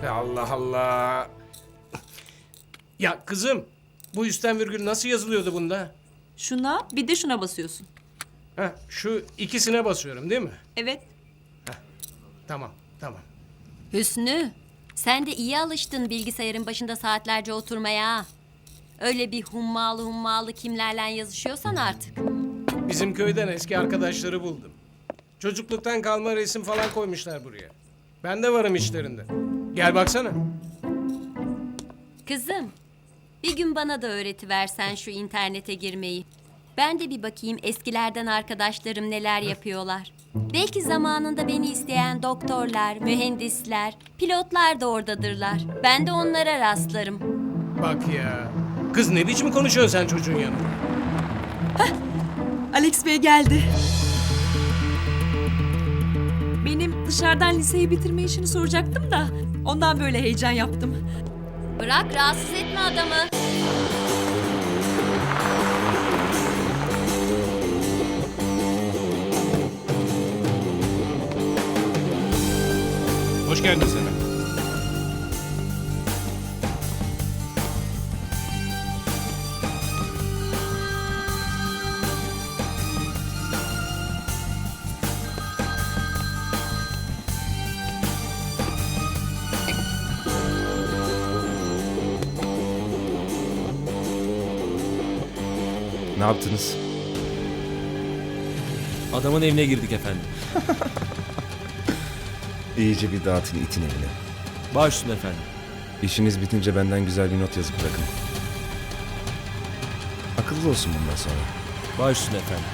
Ya Allah Allah. Ya kızım, bu üstten virgül nasıl yazılıyordu bunda? Şuna bir de şuna basıyorsun. Heh, şu ikisine basıyorum değil mi? Evet. Tamam, tamam. Hüsnü, sen de iyi alıştın bilgisayarın başında saatlerce oturmaya. Öyle bir hummalı kimlerle yazışıyorsan artık. Bizim köyden eski arkadaşları buldum. Çocukluktan kalma resim falan koymuşlar buraya. Ben de varım içlerinde. Gel baksana. Kızım, bir gün bana da öğretiversen şu internete girmeyi. Ben de bir bakayım eskilerden arkadaşlarım neler yapıyorlar. Belki zamanında beni isteyen doktorlar, mühendisler, pilotlar da oradadırlar. Ben de onlara rastlarım. Bak ya. Kız ne biçim konuşuyorsun sen çocuğun yanında? Alex Bey geldi. Benim dışarıdan liseyi bitirme işini soracaktım da ondan böyle heyecan yaptım. Bırak rahatsız etme adamı. Hoş geldin Selam. Ne yaptınız? Adamın evine girdik efendim. İyice bir dağıtın itin evine. Baş üstüne efendim. İşiniz bitince benden güzel bir not yazıp bırakın. Akıllı olsun bundan sonra. Baş üstüne efendim.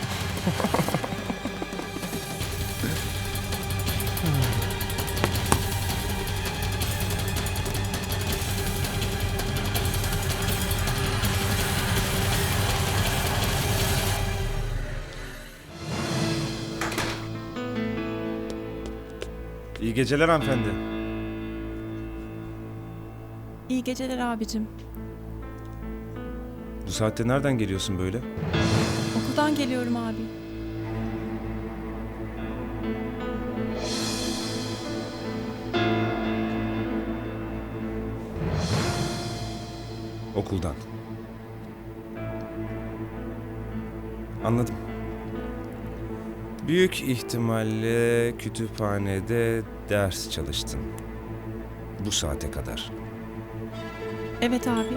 İyi geceler hanımefendi. İyi geceler abicim. Bu saatte nereden geliyorsun böyle? Okuldan geliyorum abi. Okuldan. Anladım. Büyük ihtimalle kütüphanede ders çalıştın. Bu saate kadar. Evet abi.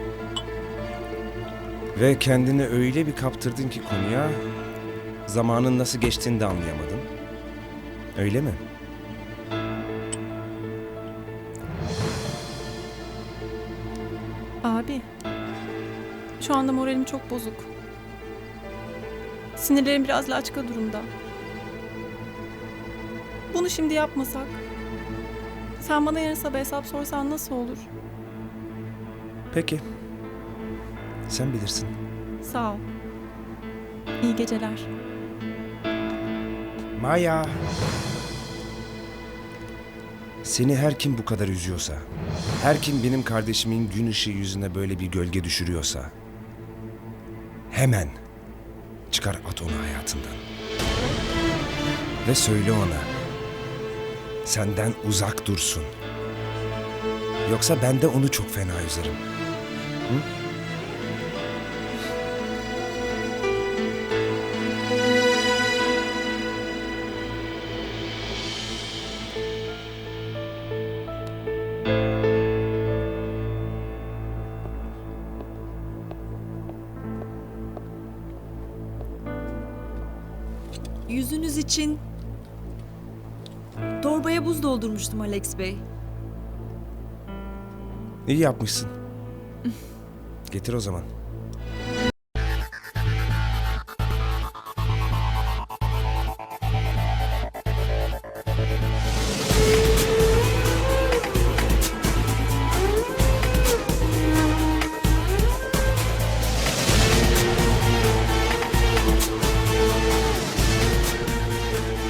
Ve kendini öyle bir kaptırdın ki konuya, zamanın nasıl geçtiğini de anlayamadın. Öyle mi? Abi, şu anda moralim çok bozuk. Sinirlerim biraz laçka durumda. Bunu şimdi yapmasak, sen bana yarın sabah hesap sorsan nasıl olur? Peki. Sen bilirsin. Sağ ol. İyi geceler. Maya. Seni her kim bu kadar üzüyorsa, her kim benim kardeşimin gün ışığı yüzüne böyle bir gölge düşürüyorsa, hemen çıkar at onu hayatından. Ve söyle ona, senden uzak dursun. Yoksa ben de onu çok fena üzerim. Hı? Yüzünüz için torbaya buz doldurmuştum Alex Bey. İyi yapmışsın. Getir o zaman.